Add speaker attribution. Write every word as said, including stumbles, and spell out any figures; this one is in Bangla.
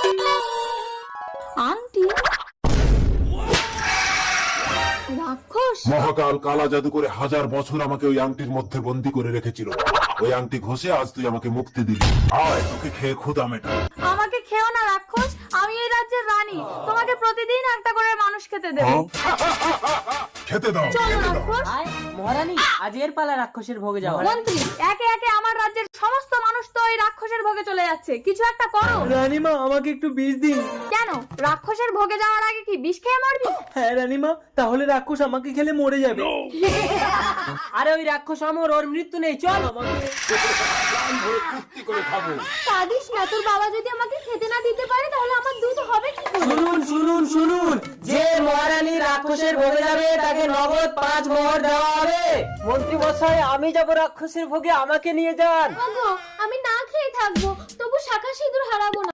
Speaker 1: আন্টি রাক্ষস
Speaker 2: মহাকাল কালা জাদু করে হাজার বছর আমাকে ওই আংটির মধ্যে বন্দি করে রেখেছিল। ওই আংটি ঘষে আজ তুই আমাকে মুক্তি দিবি। আয় তোকে খেয়ে ক্ষুধা মেটা।
Speaker 1: আমাকে খেও না রাক্ষস, আমি এই রাজ্যের রানী, তোমাকে প্রতিদিন একটা করে মানুষ খেতে দেব।
Speaker 2: খেতে দাও
Speaker 1: চলো
Speaker 2: খেতে দাও।
Speaker 1: রাক্ষস।
Speaker 3: আয় মহারানী, আজ এর পালা রাক্ষসের ভোগে যাওয়া।
Speaker 1: মন্ত্রী, একে একে আমার রাজ্যের সমস্ত মানুষ তো এই রাক্ষসের ভোগে চলে যাচ্ছে, কিছু একটা করো।
Speaker 3: রানীমা, আমাকে একটু বিষ দিন।
Speaker 1: কেন, রাক্ষসের ভোগে যাওয়ার আগে কি বিষ খেয়ে মরবি?
Speaker 3: হ্যাঁ রানীমা, তাহলে রাক্ষস আমাকে খেলে মরে যাবে। আরে ওই রাক্ষস আমার, ওর মৃত্যু নেই, চল আমাকে।
Speaker 2: ফুর্তি করে খাবো।
Speaker 1: কাঁদিস না, তোর বাবা যদি আমাকে খেতে না দিতে পারে তাহলে আমার দুধ হবে কি করে?
Speaker 3: শুনুন শুনুন শুনুন, যে মহারানী রাক্ষসের ভোগে যাবে তাকে নগদ পাঁচ মোহর দেওয়া হবে। মন্ত্রী মশাই, আমি যাব রাক্ষসের ভোগে, আমাকে নিয়ে যান।
Speaker 1: ওগো, আমি না খেয়ে থাকবো, তবু শাখা সিঁদুর হারাবো না।